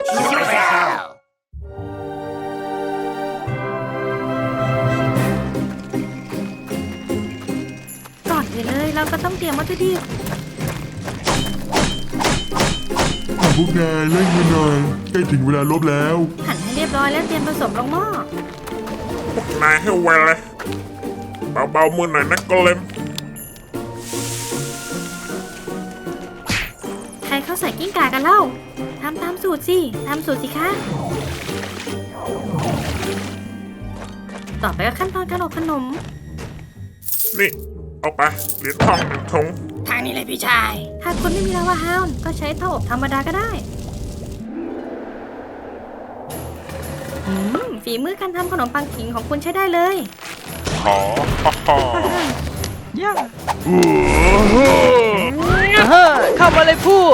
ก่อนอื่นเลยเราก็ต้องเตรียมวัตถุดิบพวกนายเร่งมือหน่อยใกล้ถึงเวลาลบแล้วหั่นให้เรียบร้อยแล้วเตรียมผสมลงหม้อนายให้ไวเลยเบาๆมือหน่อยนะกเลมใครเข้าใส่กิ้งก่ากันเล่าทำตามสูตรสิคะต่อไปก็ขั้นตอนการอบขนมนี่เอาไปเหรียญทองหนึ่งถุงทางนี้เลยพี่ชายถ้าคุณไม่มีลาวาฮาวน์ก็ใช้เตาอบธรรมดาก็ได้ฝีมือการทำขนมปังขิงของคุณใช้ได้เลยขอฮ่าเข้ามาเลยผู้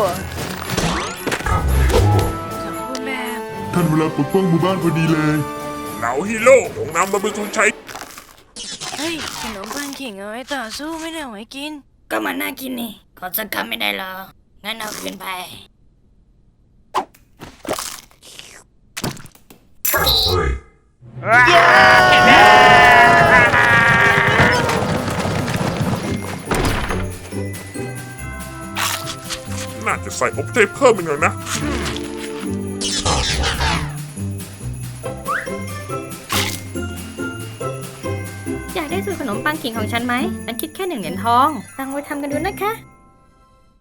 ท่านเวลาปกป้องหมู่บ้านพอดีเลยเหล่าฮีโร่ของนำมาเป็นทุนใช้เฮ้ยขนมปังขิงเอาไว้ต่อสู้ไม่ได้เอาไว้กินก็มันน่ากินนี่ขอสักคำไม่ได้หรองั้นเอาคืนไปน่าจะใส่อบเทเพิ่มอีกหน่อยนะอยากได้สูตรขนมปังขิงของฉันไหมฉันคิดแค่1 เหรียญทองตั้งไว้ทำกันดูนะคะ